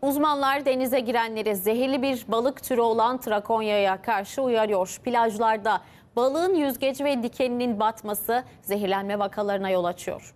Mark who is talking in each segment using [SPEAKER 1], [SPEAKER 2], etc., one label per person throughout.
[SPEAKER 1] Uzmanlar denize girenleri zehirli bir balık türü olan trakonyaya karşı uyarıyor. Plajlarda balığın yüzgeci ve dikeninin batması zehirlenme vakalarına yol açıyor.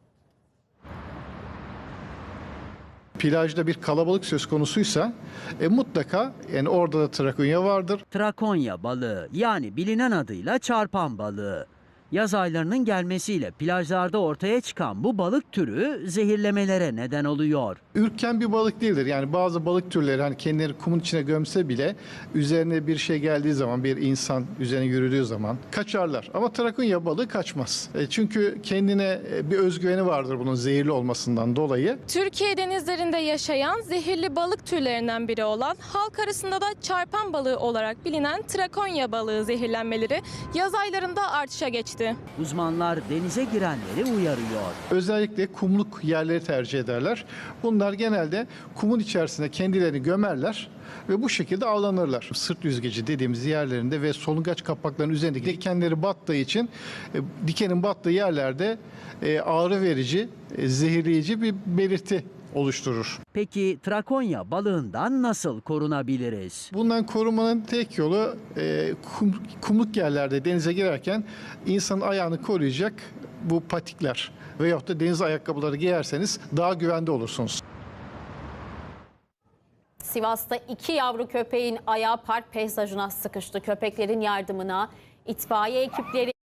[SPEAKER 2] Plajda bir kalabalık söz konusuysa mutlaka yani orada da trakonya vardır.
[SPEAKER 3] Trakonya balığı, yani bilinen adıyla çarpan balığı. Yaz aylarının gelmesiyle plajlarda ortaya çıkan bu balık türü zehirlemelere neden oluyor.
[SPEAKER 2] Ürken bir balık değildir. Yani bazı balık türleri hani kendileri kumun içine gömse bile üzerine bir şey geldiği zaman, bir insan üzerine yürüdüğü zaman kaçarlar. Ama trakonya balığı kaçmaz. Çünkü kendine bir özgüveni vardır bunun zehirli olmasından dolayı.
[SPEAKER 4] Türkiye denizlerinde yaşayan zehirli balık türlerinden biri olan, halk arasında da çarpan balığı olarak bilinen trakonya balığı zehirlenmeleri yaz aylarında artışa geçti.
[SPEAKER 3] Uzmanlar denize girenleri uyarıyor.
[SPEAKER 2] Özellikle kumluk yerleri tercih ederler. Bunlar genelde kumun içerisine kendilerini gömerler ve bu şekilde avlanırlar. Sırt yüzgeci dediğimiz yerlerinde ve solungaç kapaklarının üzerindeki dikenleri battığı için dikenin battığı yerlerde ağrı verici, zehirleyici bir belirti oluşturur.
[SPEAKER 3] Peki trakonya balığından nasıl korunabiliriz?
[SPEAKER 2] Bundan korunmanın tek yolu kumluk yerlerde denize girerken insanın ayağını koruyacak bu patikler veyahut da deniz ayakkabıları giyerseniz daha güvende olursunuz.
[SPEAKER 1] Sivas'ta 2 yavru köpeğin ayağı park peyzajına sıkıştı. Köpeklerin yardımına itfaiye ekipleri